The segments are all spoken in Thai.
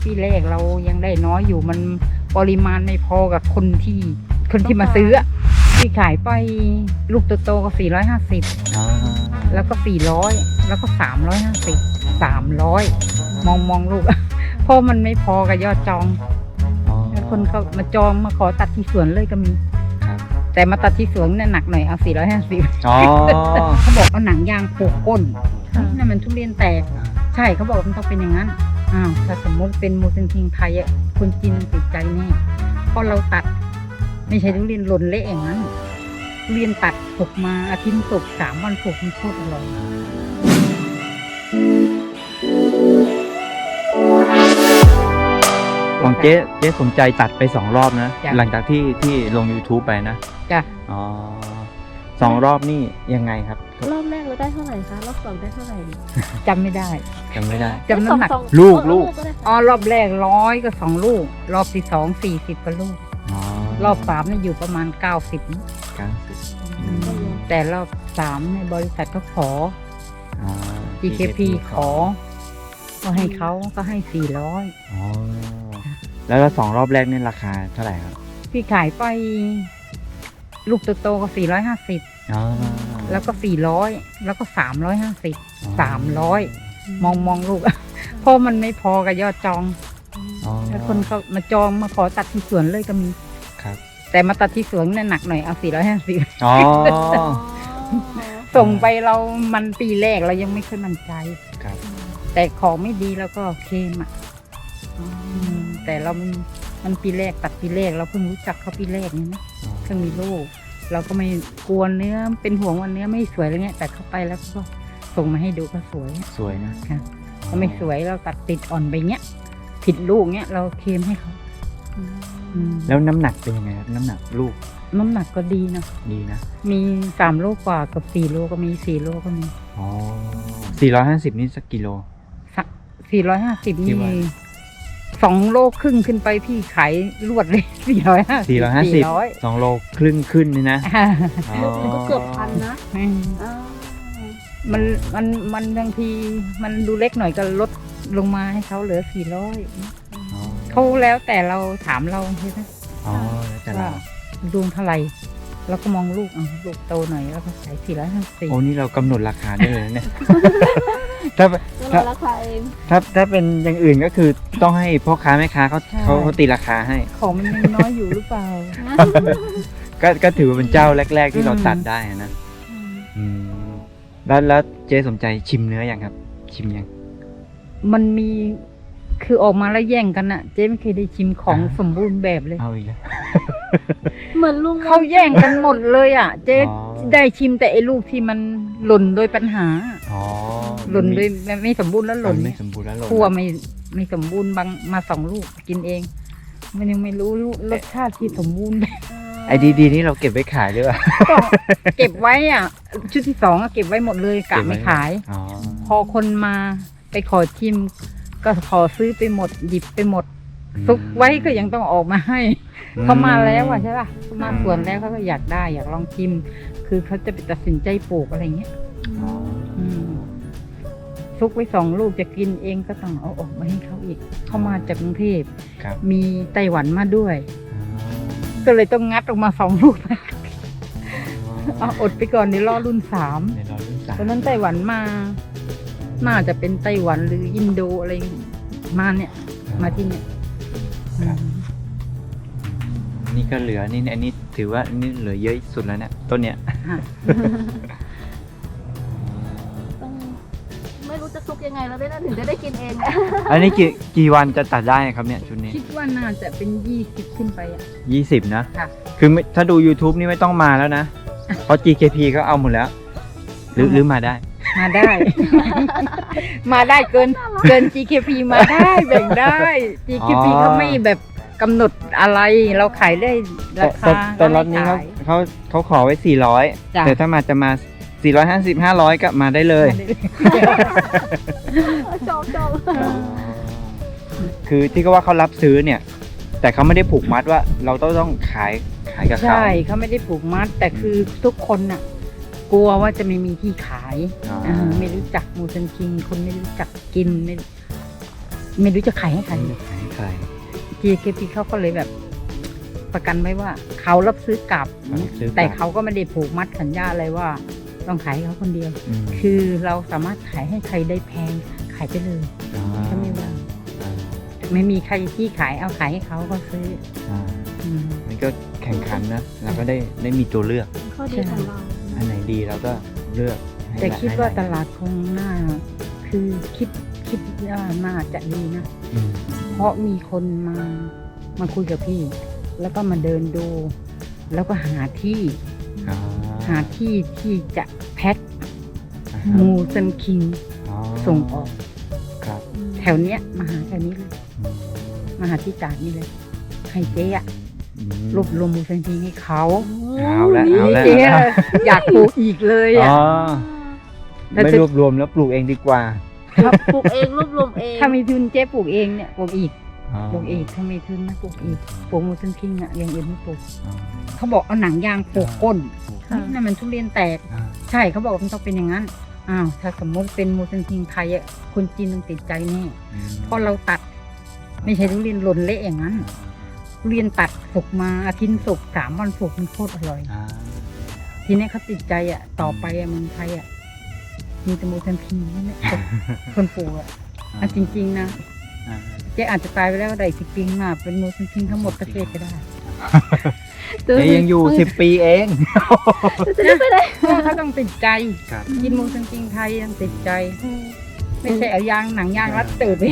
ปีแรกเรายังได้น้อยอยู่มันปริมาณไม่พอกับคนที่มาซื้อที่ขายไปลูกโตๆก็450แล้วก็400แล้วก็350 300มองลูก เพราะมันไม่พอกับยอดจองแล้วคนเขามาจองมาขอตัดที่สวนเลยก็มีแต่มาตัดที่สวนเนี่ยหนักหน่อยเอา450เขาบอกเอาหนังยางโขกก้นนั่นมันทุเรียนแตกใช่เขาบอกมันต้องเป็นอย่างนั้นถ้าสมมติเป็นมูซันคิงไทยคนจีนติดใจแน่เพราะเราตัดไม่ใช่ทุเรียนหล่นเละอย่างนั้นทุเรียนตัดสุกมาอาทิตย์สุก3 วันสุกมันโคตรอร่อยของเจ๊สนใจตัดไป2 รอบนะหลังจากที่ลง YouTube ไปนะจ้ะ 2 รอบนี่ยังไงครับรอบแรกเราได้เท่าไหร่คะรอบ2ได้เท่าไหร่จำไม่ได้จำน้ำหนักลูกรอบแรก100ก็2 ลูกรอบที่2 40ก็ลูกรอบ3นี่อยู่ประมาณ90แต่รอบ3ในบริษัทก็ขอ GKP ขอก็ให้เขาก็ให้400 แล้ว2 รอบแรกนี่ราคาเท่าไหร่ครับพี่ขายไปลูกโตๆก็450แล้วก็400แล้วก็350 300มองลูก เพราะมันไม่พอกับยอดจองแล้วคนเขามาจองมาขอตัดที่สวนเลยก็มีแต่มาตัดที่สวนเนี่ยหนักหน่อยเอา450ส่งไปเรามันปีแรกเรายังไม่ค่อยมั่นใจแต่ของไม่ดีแล้วก็เคมแต่เรามันปีแรกตัดปีแรกเราเพิ่งรู้จักเขาปีแรกนี่นะเพิ่งมีลูกเราก็ไม่กลัวเนื้อเป็นห่วงว่าเนื้อไม่สวยอะไรเงี้ยแต่เข้าไปแล้วก็ส่งมาให้ดูก็สวยนะถ้าไม่สวยเราตัดติดอ่อนไปเงี้ยผิดลูกเงี้ยเราเคมให้เขาแล้วน้ำหนักเป็นยังไงครับน้ำหนักลูกน้ำหนักก็ดีนะมี3 โลกว่ากับ4 โลก็มี4 โลก็มี 450นี่สักกิโล 450นี่2 โลครึ่งขึ้นไปพี่ขายรวดเลย450 2 โลครึ่งขึ้นนี่นะมันก็เกือบพันนะมันบางทีมันดูเล็กหน่อยก็ลดลงมาให้เขาเหลือ400เขาแล้วแต่เราถามเราใช่ไหมว่าดูเท่าไหร่เราก็มองลูกโตหน่อยแล้วก็ขาย450 โอ้นี่เรากำหนดราคาได้เลยเนี่ยถ้าเป็นอย่างอื่นก็คือต้องให้พ่อค้าแม่ค้าเขาตีราคาให้ของมันยังน้อยอยู่หรือเปล่าก็ถือว่าเป็นเจ้าแรกๆที่เราตัดได้นะแล้วเจ๊สนใจชิมเนื้อยังครับชิมยังมันมีคือออกมาแล้วแย่งกันอะเจ๊ไม่เคยได้ชิมของสมบูรณ์แบบเลยเอาอีกแล้วเหมือนลุงเขาแย่งกันหมดเลยอะเจ๊ได้ชิมแต่ไอ้ลูกที่มันหล่นโดยปัญหาหล่นโดยไม่สมบูรณ์แล้วหล่นคั่วไม่สมบูรณ์บางมา2 ลูกกินเองมันยังไม่รู้รสชาติที่สมบูรณ์ไอ้ดีๆนี่เราเก็บไว้ขายหรือเปล่าเก็บไว้อ่ะชุดที่2ก็เก็บไว้หมดเลยกะไม่ขายพอคนมาไปขอชิมก็ขอซื้อไปหมดหยิบไปหมดซุกไว้ก็ยังต้องออกมาให้เขามาแล้วอ่ะใช่ป่ะเขามาสวนแล้วเขาก็อยากได้อยากลองชิมคือเขาจะไปตัดสินใจปลูกอะไรเงี้ยซุกไว้2 ลูกจะกินเองก็ต้องเอาออกมาให้เขาอีกเขามาจากกรุงเทพมีไต้หวันมาด้วยก็เลยต้องงัดออกมา2 ลูกอดไปก่อนเดี๋ยวรอรุ่น3ตอนนั้นไต้หวันมาน่าจะเป็นไต้หวันหรืออินโดอะไรมาเนี่ยมาที่เนี่ยนี่ก็เหลือนี่อันนี้ถือว่านี่เหลือเยอะสุดแล้วเนี่ยต้นเนี้ยไม่รู้จะซุกยังไงแล้วถึงจะได้กินเองอันนี้กี่วันจะตัดได้ครับเนี่ยชุดนี้คิดว่าน่าจะเป็น20ขึ้นไป 20นะคือถ้าดู YouTube นี่ไม่ต้องมาแล้วนะเพราะ GKP เขาเอาหมดแล้วหรือมาได้มาได้เกิน GKP มาได้แบ่งได้ GKP เขาไม่แบบกำหนดอะไรเราขายได้ราคาแต่รถนี้เขาขอไว้400แต่ถ้าจะมา450 500ก็มาได้เลยชอบคือที่เขาว่าเขารับซื้อเนี่ยแต่เขาไม่ได้ผูกมัดว่าเราต้องขายกับเขาใช่เขาไม่ได้ผูกมัดแต่คือทุกคนน่ะกลัวว่าจะไม่มีที่ขายไม่รู้จักมูซันคิงคนไม่รู้จักกินไม่รู้จะขายให้ใครไม่รู้ขายให้ใคร GKP เขาก็เลยแบบประกันไว้ว่าเขารับซื้อกลับซื้อกลับแต่เขาก็ไม่ได้ผูกมัดสัญญาอะไรว่าต้องขายให้เขาคนเดียวอืมคือเราสามารถขายให้ใครได้แพงขายไปเลยอ๋อก็ไม่ว่าอ่าไม่มีใครที่ขายเอาขายให้เขาก็ซื้ออ่าอืมมันก็แข่งขันนะเราก็ได้มีตัวเลือกข้อดีของเราอันไหนดีเราก็เลือกให้แต่คิดว่าให้ตลาดคงน่าคือคิดว่าน่าจะดีนะอืมเพราะมีคนมาคุยกับพี่ แล้วก็มาเดินดู แล้วก็หาที่อ๋อหาที่ที่จะแพ็คอ่าฮะมูซันคิงอ๋อส่งออกครับแถวเนี้ยมาหาแถวนี้เลยอืมมาหาที่ตากนี่เลย ให้เจ๊อะอืมรวบรวมมูซันคิงให้เขาเอาละนี่เอาละเจ๊อะอยากปลูกอีกเลยอ๋อ่ะอแล้วไม่จะรวบรวมแล้วปลูกเองดีกว่าครับปลูกเองรวบรวมเองถ้ามีทุนเจ๊ปลูกเองเนี่ยปลูกอีกอ๋อปลูกอีกถ้ามีทุนนะปลูกอีกปลูกมูซันคิงอ่ะอย่างอื่นไม่ปลูกอ๋อเขาบอกเอาหนังยางปลูกก้นค่ะนั่นมันทุเรียนแตกอ่าใช่เขาบอกว่ามันต้องเป็นอย่างนั้นอ้าวถ้าสมมติเป็นมูซันคิงไทยอ่ะคนจีนต้องติดใจแน่อืมเพราะเราตัด ไม่ใช่ทุเรียนหล่นเละอย่างนั้นทุเรียนตัดสุกมาอาทิตย์สุก3 วันสุกมันโคตรอร่อยอ่าทีนี้เขาติดใจอ่ะต่อไปอ่ะเมืองไทยอ่ะมีแต่มูซันคิงนั่นแหละคนปลูกอ่ะอ่ะจริงๆนะอ่าเจ๊อาจจะตายไปแล้วได้10 ปีข้างหน้าเป็นมูซันคิงทั้งหมดประเทศก็ได้เจ๊ยังอยู่10 ปีเองจะได้ไปได้เพราะเขาต้องติดใจครับกินมูซันคิงไทยต้องติดใจ ไม่ใช่เอายางหนังยางรัดตูดไป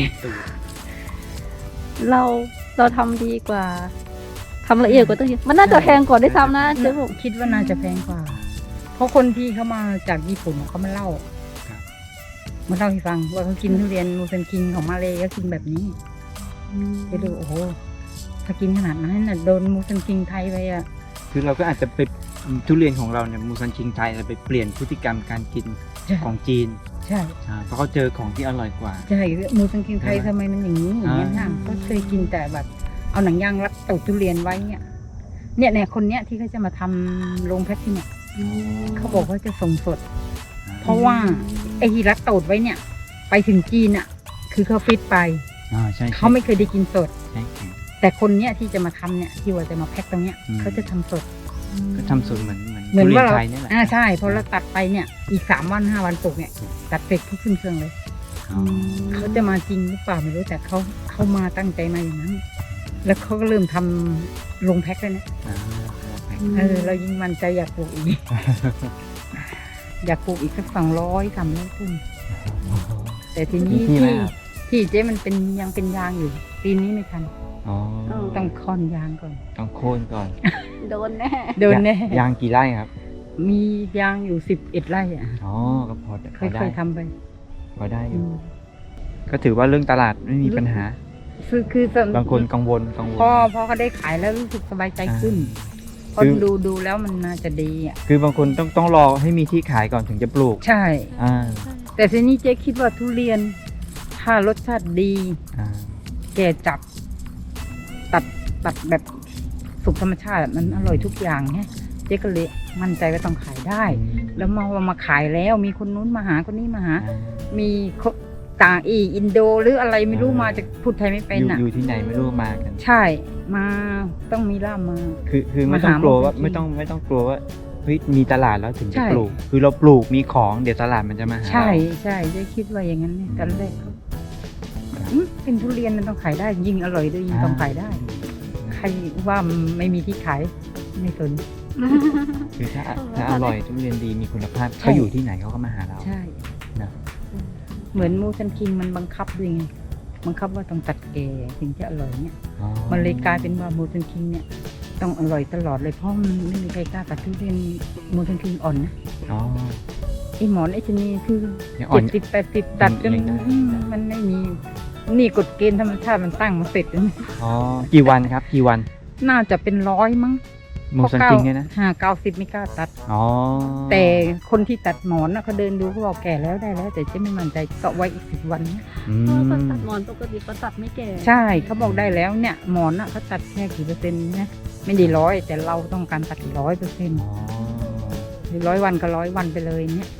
เราทำดีกว่าทำละเอียดกว่าตั้งเยอะมันน่าจะแพงกว่าด้วยซ้ำนะเจ๊บุ๋มคิดว่าน่าจะแพงกว่า เพราะคนที่เขามาจากญี่ปุ่นเขามาเล่าครับมาเล่าให้ฟังว่าเขากินทุเรียนมูซันคิงของมาเลยก็กินแบบนี้จะดูโอ้โหถ้ากินขนาดนั้นน่ะโดนมูซันคิงไทยไปอ่ะคือเราก็อาจจะไปทุเรียนของเราเนี่ยมูซันคิงไทยเราไปเปลี่ยนพฤติกรรมการกินใช่ของจีนใช่เพราะเขาเจอของที่อร่อยกว่าใช่มูซันคิงไทยใช่ไหมทำไมมันอย่างนี้อย่างนี้ยนะก็เคยกินแต่แบบเอาหนังยางรัดตูดทุเรียนไว้เนี่ยคนเนี้ยที่เขาจะมาทำโรงแพ็คที่เนี่ยเขาบอกว่าจะส่งสด เพราะว่าไอ้ที่รัดตูดไว้เนี่ย ไปถึงจีนอ่ะ คือเขาฟิตไปอ่าใช่เขาไม่เคยได้กินสดใช่แต่คนเนี้ยที่จะมาทำเนี่ยที่ว่าจะมาแพ็คตรงเนี้ยอืมเขาจะทำสดก็ทำสูตรเหมือนเหมือนทุเรียว่าน เราไทยนี่แหละใช่พอเราตัดไปเนี่ยอีก3 วัน 5 วันปลูกเนี่ยตัดเสร็จทุกขึ้นเครื่องเลยอ๋อเขาจะมาจริงหรือเปล่าไม่รู้แต่เขามาตั้งใจมาอย่างนั้น แล้วเขาก็เริ่มทำลงแพ็คเลยนะอ่าเรายิ่งมั่นใจอยากปลูกอีก อยากปลูกอีกสัก200 300 ต้นแต่ทีนี้ที่ไหมที่ครับที่เจ๊มันเป็นยังเป็นยางอยู่ ปีนี้ไม่ทันอ๋อต้องค่อนยางก่อนต้องโค่นก่อนโดนแน่เดินแน่ยางกี่ไร่ครับมียางอยู่11 ไร่อ่ะอ๋อก็พอเคได้ยทำไปพอได้อยู่ก็ถือว่าเรื่องตลาดไม่มีปัญหาคือส่วนบางคนกังวลพอเขาได้ขายแล้วรู้สึกสบายใจขึ้นพอคือดูแล้วมันน่าจะดีอ่ะคือบางคนต้องรอให้มีที่ขายก่อนถึงจะปลูกใช่อ่าแต่ทีนี้เจ๊คิดว่าทุเรียน ถ้ารสชาติดีอ่าแก่จับ ตัดแบบสุกธรรมชาติมันอร่อยทุกอย่างเนี่ยเจ๊ก็เลยมั่นใจว่าต้องขายได้ แล้วมาขายแล้วมีคนนู้นมาหาคนนี้มาหา มีต่างอินโดหรืออะไรไม่รู้มาจากพูดไทยไม่เป็นอ่ะอยู่ที่ไหนไม่รู้มากันใช่มาต้องมีล่ามมาคือไม่ต้องกลัวว่ามาหาหมอจริงๆไม่ต้องกลัวว่าเฮ้ยมีตลาดแล้วถึงจะใช่ปลูก คือเราปลูกมีของเดี๋ยวตลาดมันจะมาหาใช่เราใช่เจ๊คิดว่าอย่างนั้นเนี่ยตอนแรกเป็นทุเรียนมันต้องขายได้ ยิ่งอร่อยด้วยยิ่งต้องขายได้ ใครว่าไม่มีที่ขายไม่สนคือถ้าอร่อยทุเรียนดีมีคุณภาพใช่เขาอยู่ที่ไหนเขาก็มาหาเราใช่นะเหมือนมูซันคิงมันบังคับด้วยไงบังคับว่าต้องตัดแก่ถึงจะอร่อยเนี่ยอ๋อมันเลยกลายเป็นว่ามูซันคิงเนี่ยต้องอร่อยตลอดเลยเพราะมันไม่มีใครกล้าตัดทุเรียนมูซันคิงอ่อนนะอ๋อไอหมอนไอชะนีคือยังอ่อน 70-80ตัดจนยังได้มันไม่มีนี่กฎเกณฑ์ธรรมชาติมันตั้งมาเสร็จแล้วนะอ๋อกี่วันครับกี่วันน่าจะเป็น100มั้งมูซันคิงเนี่ยนะ 90ไม่กล้าตัดอ๋อแต่คนที่ตัดหมอนน่ะเขาเดินดูเขาบอกแก่แล้วได้แล้ว แต่เจ๊ไม่มั่นใจก็ไว้อีก10 วันนะอืคนมตัดหมอนปกติเขาตัดไม่แก่ใช่เขาบอกได้แล้วเนี่ยหมอนน่ะเขาตัดแค่กี่เปอร์เซ็นต์นะไม่ได้100แต่เราต้องการตัด100% อ๋อหรือ100 วันก็100 วันไปเลยเนี่ย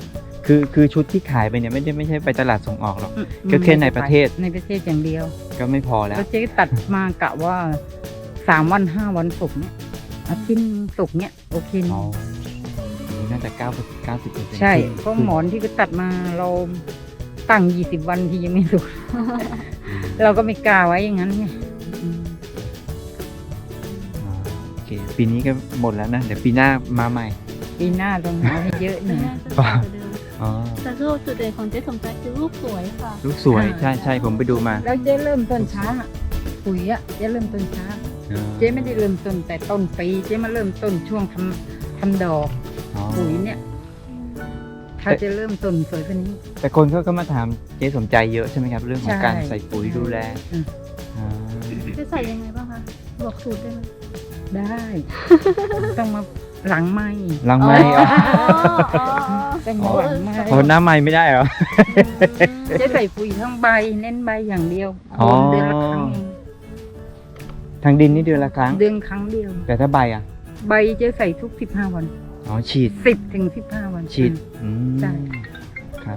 คือชุดที่ขายไปเนี่ยไม่ใช่ไปตลาดส่งออกหรอก ก็แค่ในประเทศในประเทศอย่างเดียวก็ไม่พอแล้วแล้วเจ๊ตัดมากะว่า3 วัน 5 วันสุกเนี่ยอาทิตย์สุกเนี่ยโอเคอ๋อนะน่าจะ90% ใช่เพราะหมอนที่ก็ตัดมาเราตั้ง20 วันที่ยังไม่สุก เราก็ไม่กล้าไว้อย่างนั้นไงอืมอ๋อโอเคปีนี้ก็หมดแล้วนะ เดี๋ยวปีหน้ามาใหม่ปีหน้าต้องเอาให้เยอะหน่อยน่าจะดีกว่าเดิมอ๋อแต่คือจุดเด่นของเจ๊สมใจคือลูกสวยค่ะลูกสวยใช่ผมไปดูมาแล้วเจ๊เริ่มต้นช้าปุ๋ยอะเจ๊เริ่มต้นช้า เจ๊ไม่ได้เริ่มต้นแต่ต้นปีเจ๊มาเริ่มต้นช่วงทำดอกอ๋อปุ๋ยเนี่ย ถ้าจะเริ่มต้นสวยกว่านี้แต่คนเขาก็มาถามเจ๊สมใจเยอะใช่ไหมครับ เรื่องของใช่การใส่ปุ๋ยดูแลอืมอ่าจะใส่ยังไงบ้างคะบอกสูตรได้ไหมได้ ต้องมาหลังไม้ลังไม้อ๋อต้องมาหลังไม้โอ้หน้าไม้ไม่ได้เหรอเจ๊ใส่ปุ๋ยทั้งใบเน้นใบอย่างเดียวอ๋อเดือนละครั้งเองทางดินนี่เดือนละครั้งเดือนครั้งเดียวแต่ถ้าใบอ่ะใบเจ๊ใส่ทุก15 วันอ๋อฉีด 10 ถึง 15 วันฉีดอืมใช่ครับ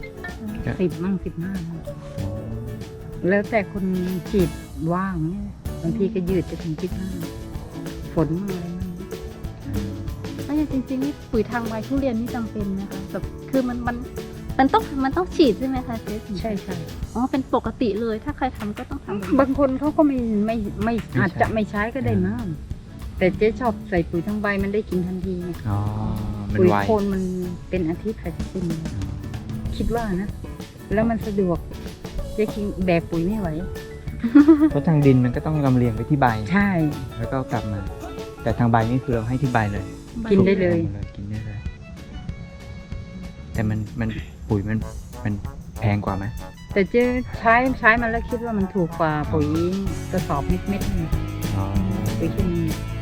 10 มั่ง 15 มั่งแล้วแต่คนฉีดว่างเนี่ยบางทีก็ยืดจะถึง15ฝนมั่งอะไรมั่งแล้วอย่างจริงๆนี่ปุ๋ยทางใบทุเรียนนี่จำเป็นไหมคะแบบคือมันต้องฉีดใช่ไหมคะเจ๊ใช่ใช่อ๋อเป็นปกติเลยถ้าใครทำก็ต้องทำแบบนี้บางคนเขาก็ไม่อาจจะไม่ใช้ก็ได้มั้งแต่เจ๊ชอบใส่ปุ๋ยทั้งใบมันได้กินทันทีไงอ๋อ มันปุ๋ยไวโคนมันเป็นอาทิตย์อาทิตย์นึงคิดว่านะ แล้วมันสะดวกเจ๊คิงแบกปุ๋ยไม่ไหวเพราะทางดินมันก็ต้องลำเลียงไปที่ใบใช่แล้วก็กลับมา แต่ทางใบนี่คือเราให้ที่ใบเลยกินได้เลยกินได้เลย แต่มันปุ๋ยมันแพงกว่าไหมแต่เจ๊ใช้มันแล้วคิดว่ามันถูกกว่าปุ๋ยกระสอบเม็ดๆนี่อ๋อปุ๋ยเคมี